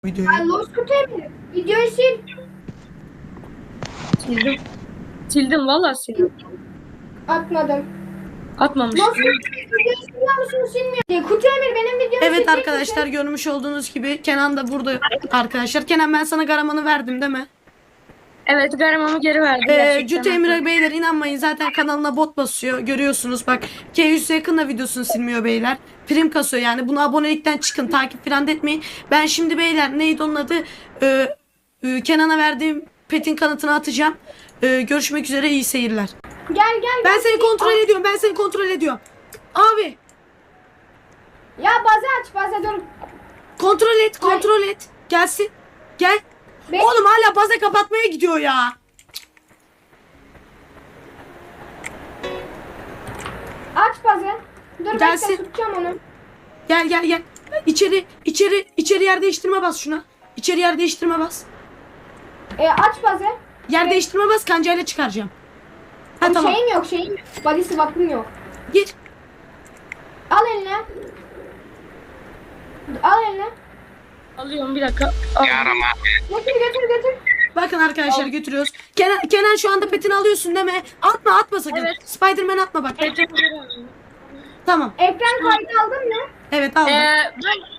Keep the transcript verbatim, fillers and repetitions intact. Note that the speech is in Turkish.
Videoyu. Ay Losku Emir. Videoyu sil. Sildim. Sildim valla sildim. Atmadım. Atmamış. Losku Emir videoyu siliyor musun silmiyor? Diye. Kutu Emir benim videomu Evet silecek arkadaşlar, misin? görmüş olduğunuz gibi Kenan da burada arkadaşlar. Kenan, ben sana garamanı verdim değil mi? Evet, garamamı geri verdi Ee, gerçekten. Cüce Emre beyler, inanmayın, zaten kanalına bot basıyor, görüyorsunuz bak. K yüze yakın da videosunu silmiyor beyler. Prim kasıyor yani, bunu abonelikten çıkın, takip falan da etmeyin. Ben şimdi beyler, neydi onun adı, Ee, e, Kenan'a verdiğim petin kanıtını atacağım. Ee, görüşmek üzere, iyi seyirler. Gel gel. Ben gel. seni kontrol ediyorum, ben seni kontrol ediyorum. Abi Ya bazı aç bazı dur. kontrol et, kontrol et. Gelsin, gel. Be- Oğlum hala baza kapatmaya gidiyor ya. Aç bazı. Dur Gelsin. bekle tutacağım onu. Gel gel gel. İçeri içeri içeri yer değiştirme bas şuna. İçeri yer değiştirme bas. E, aç bazı. Yer Evet. değiştirme bas, kancayla çıkaracağım. Ha Ama tamam. Şeyim yok şeyim yok. Body swap'ım yok. Gir. Al eline. Al eline. Alıyorum bir dakika. Al. Götür götür götür. Bakın arkadaşlar, götürüyoruz. Kenan, Kenan şu anda petini alıyorsun değil mi? Atma atma sakın. Evet. Spiderman atma bak. Petimi geri alıyorum. Tamam. Ekran kaydı aldın mı? Evet aldım. Ee, ben